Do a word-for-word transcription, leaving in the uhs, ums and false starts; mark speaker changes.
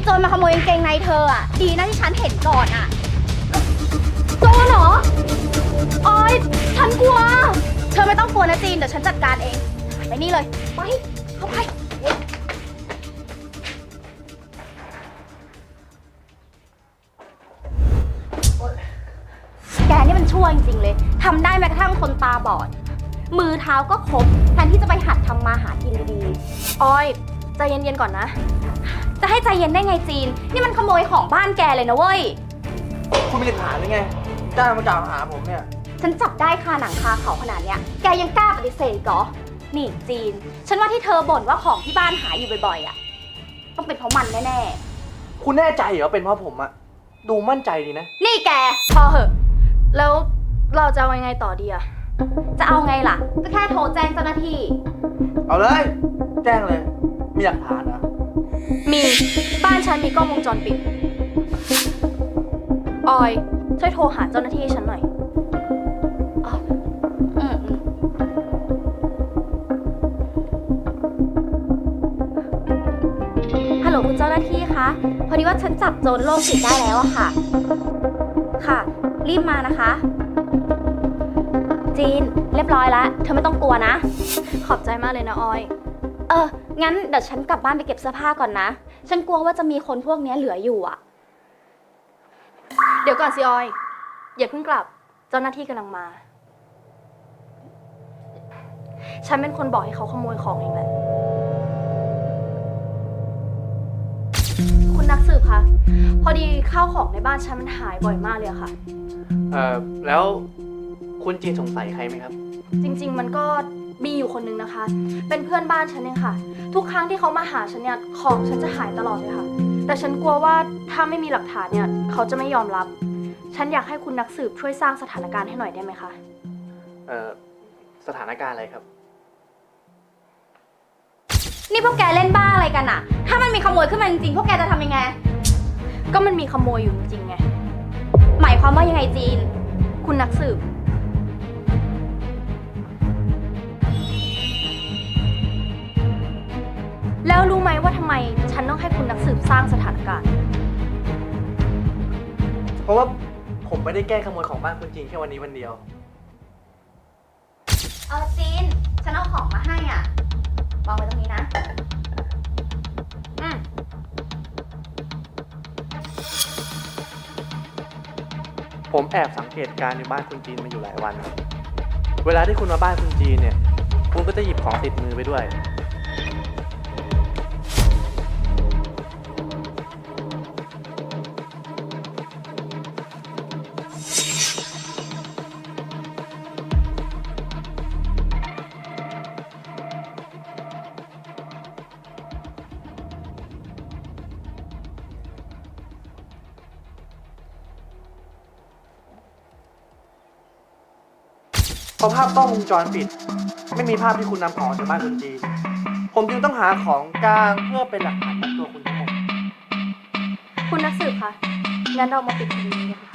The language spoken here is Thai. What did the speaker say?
Speaker 1: โจรมาขโมยกางเกงในเธออ่ะดีนะที่ฉันเห็นก่อนอ่ะโจรเหรอออยฉันกลัวเธอไม่ต้องกลัวนะจีนเดี๋ยวฉันจัดการเองไปนี่เลยไปเข้าไปแกนี่มันชั่วจริงๆเลยทำได้แม้กระทั่งคนตาบอดมือเท้าก็ครบแทนที่จะไปหัดทำมาหากินดีๆออยใจเย็นๆก่อนนะจะให้ใจเย็นได้ไงจีนนี่มันขโมยของบ้านแกเลยนะเว้ย
Speaker 2: คุณมีหลักฐานหรือไงจ้างมาจ่าหาผมเนี่ย
Speaker 1: ฉันจับได้คาหนังคาเขาขนาดเนี้ยแกยังกล้าปฏิเสธเหรอนี่จีนฉันว่าที่เธอบ่นว่าของที่บ้านหายอยู่บ่อยๆอ่ะต้องเป็นเพราะมันแน่
Speaker 2: ๆคุณแน่ใจเหรอเป็นเพราะผมอะดูมั่นใจดีนะ
Speaker 1: นี่แกพอเหอะแล้วเราจะเอายังไงต่อดีอะจะเอาไงล่ะก็แค่โทรแจ้งเจ้าหน้าที่
Speaker 2: เอาเลยแจ้งเลยมีหลักฐานนะ
Speaker 1: มีบ้านฉันมีกล้องวงจรปิดออยช่วยโทรหาเจ้าหน้าที่ให้ฉันหน่อยอ๋ออืมฮัลโหลคุณเจ้าหน้าที่คะพอดีว่าฉันจับโจรโรคจิตได้แล้วอะค่ะค่ะรีบมานะคะจีนเรียบร้อยแล้วเธอไม่ต้องกลัวนะขอบใจมากเลยนะออยเอองั้นเดี๋ยวฉันกลับบ้านไปเก็บเสื้อผ้าก่อนนะฉันกลัวว่าจะมีคนพวกนี้เหลืออยู่อ่ะเดี๋ยวก่อนสิออยอย่าเพิ่งกลับเจ้าหน้าที่กำลังมาฉันเป็นคนบอกให้เขาขโมยของเองแหละคุณนักสืบคะพอดีข้าวของในบ้านฉันมันหายบ่อยมากเลยค่ะ
Speaker 2: เอ่อแล้วคุณจีนสงสัยใครไหมครับ
Speaker 1: จริงๆมันก็มีอยู่คนนึงนะคะเป็นเพื่อนบ้านฉันเองค่ะทุกครั้งที่เขามาหาฉันเนี่ยของฉันจะหายตลอดเลยค่ะแต่ฉันกลัวว่าถ้าไม่มีหลักฐานเนี่ยเขาจะไม่ยอมรับฉันอยากให้คุณนักสืบช่วยสร้างสถานการณ์ให้หน่อยได้ไหมคะ
Speaker 2: เอ่อสถานการณ์อะไรครับ
Speaker 1: นี่พวกแกเล่นบ้าอะไรกันอะถ้ามันมีขโมยขึ้นมาจริงๆพวกแกจะทำยังไงก็มันมีขโมยอยู่จริงๆไงหมายความว่ายังไงจีนคุณนักสืบแล้วรู้ไหมว่าทำไมฉันต้องให้คุณนักสืบสร้างสถานการณ์
Speaker 2: เพราะว่าผมไม่ได้แก้ขโมยของบ้านคุณจีนแค่วันนี้วันเดียว
Speaker 1: เออจีนฉันเอาของมาให้อ่ะวางไว้ตรงนี้นะอืม
Speaker 2: ผมแอบสังเกตการณ์ในบ้านคุณจีนมาอยู่หลายวันเวลาที่คุณมาบ้านคุณจีนเนี่ยคุณก็จะหยิบของติดมือไปด้วยพอภาพกล้องวงจรปิดไม่มีภาพที่คุณนำของจากบ้านคุณจีนผมจึงต้องหาของกลางเพื่อเป็นหลักฐานกับตัวคุณทั้งหมด
Speaker 1: คุณนักสืบคะงั้นเรามาปิดคดีนี้กันค่ะ